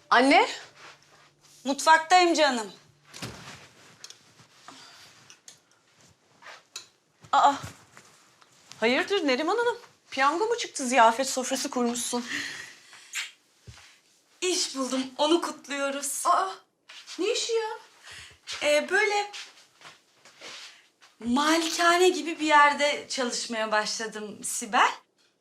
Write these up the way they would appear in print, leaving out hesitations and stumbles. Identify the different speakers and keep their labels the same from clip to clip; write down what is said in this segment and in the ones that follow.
Speaker 1: Anne.
Speaker 2: Mutfaktayım canım.
Speaker 1: Aa. Hayırdır Neriman Hanım? Piyango mu çıktı, ziyafet sofrası kurmuşsun?
Speaker 2: İş buldum, onu kutluyoruz.
Speaker 1: Aa. Ne işi ya?
Speaker 2: Böyle malikane gibi bir yerde çalışmaya başladım Sibel.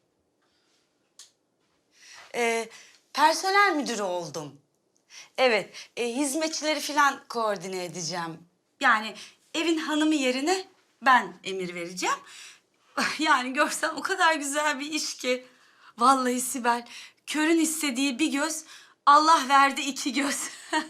Speaker 2: Personel müdürü oldum. Evet, hizmetçileri falan koordine edeceğim. Yani evin hanımı yerine ben emir vereceğim. Yani görsen o kadar güzel bir iş ki. Vallahi Sibel, körün istediği bir göz, Allah verdi iki göz.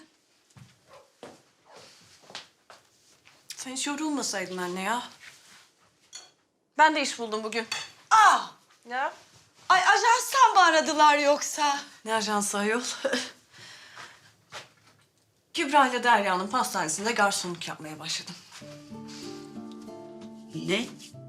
Speaker 1: Sen hiç yorulmasaydın anne ya. Ben de iş buldum bugün.
Speaker 2: Aa,
Speaker 1: Ya?
Speaker 2: ay ajanstan mı aradılar yoksa?
Speaker 1: Ne ajansı ayol? Kübra ile Derya'nın pastanesinde garsonluk yapmaya başladım.
Speaker 2: Ne?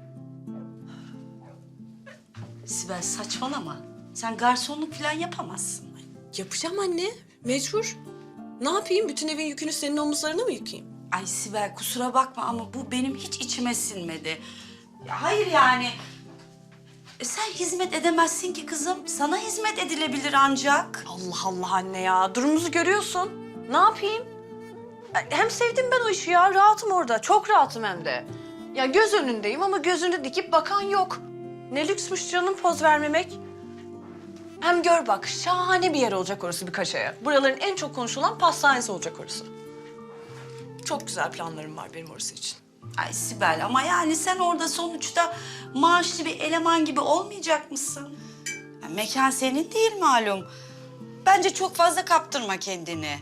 Speaker 2: Sibel saçmalama. Sen garsonluk falan yapamazsın.
Speaker 1: Yapacağım anne. Mecbur. Ne yapayım? Bütün evin yükünü senin omuzlarına mı yıkayayım?
Speaker 2: Ay Sibel kusura bakma ama bu benim hiç içime sinmedi. Ya hayır yani. Sen hizmet edemezsin ki kızım. Sana hizmet edilebilir ancak.
Speaker 1: Allah Allah anne ya. Durumumuzu görüyorsun. Ne yapayım? Hem sevdim ben o işi ya. Rahatım orada. Çok rahatım hem de. Ya göz önündeyim ama gözünü dikip bakan yok. Ne lüksmüş canım poz vermemek. Hem gör bak, şahane bir yer olacak orası birkaç aya. Buraların en çok konuşulan pastanesi olacak orası. Çok güzel planlarım var benim orası için.
Speaker 2: Ay Sibel ama yani sen orada sonuçta maaşlı bir eleman gibi olmayacak mısın? Ya mekan senin değil malum. Bence çok fazla kaptırma kendini.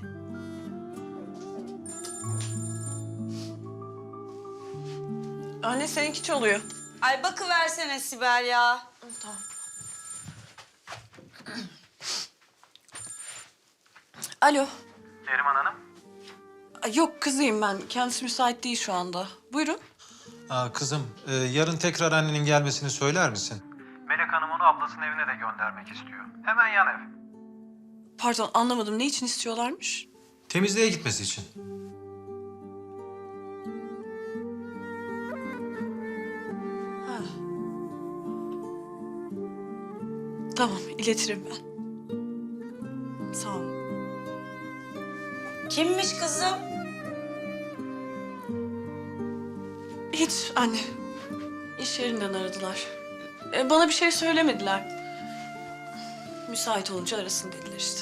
Speaker 1: Anne seninki çalıyor.
Speaker 2: Ay bakıversene Sibel ya.
Speaker 1: Tamam. Alo.
Speaker 3: Neriman Hanım.
Speaker 1: Ay, yok kızıyım ben. Kendisi müsait değil şu anda. Buyurun.
Speaker 4: Kızım, yarın tekrar annenin gelmesini söyler misin?
Speaker 3: Melek Hanım onu ablasının evine de göndermek istiyor. Hemen yan ev.
Speaker 1: Pardon anlamadım. Ne için istiyorlarmış?
Speaker 4: Temizliğe gitmesi için.
Speaker 1: Ha. Tamam iletirim ben. Sağ ol.
Speaker 2: Kimmiş kızım?
Speaker 1: Hiç anne. İş yerinden aradılar. Bana bir şey söylemediler. Müsait olunca arasın dediler işte.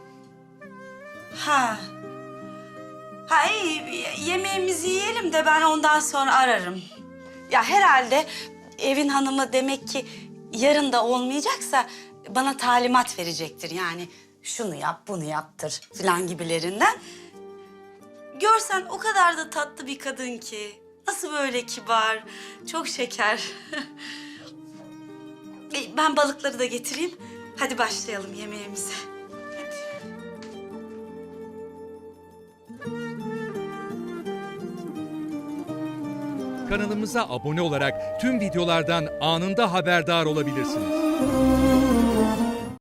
Speaker 2: Ha. Ha iyi, yemeğimizi yiyelim de ben ondan sonra ararım. Ya herhalde evin hanımı demek ki yarın da olmayacaksa bana talimat verecektir. Yani şunu yap, bunu yaptır falan gibilerinden. Görsen o kadar da tatlı bir kadın ki. Nasıl böyle kibar, çok şeker. Ben balıkları da getireyim. Hadi başlayalım yemeğimize.
Speaker 5: Kanalımıza abone olarak tüm videolardan anında haberdar olabilirsiniz.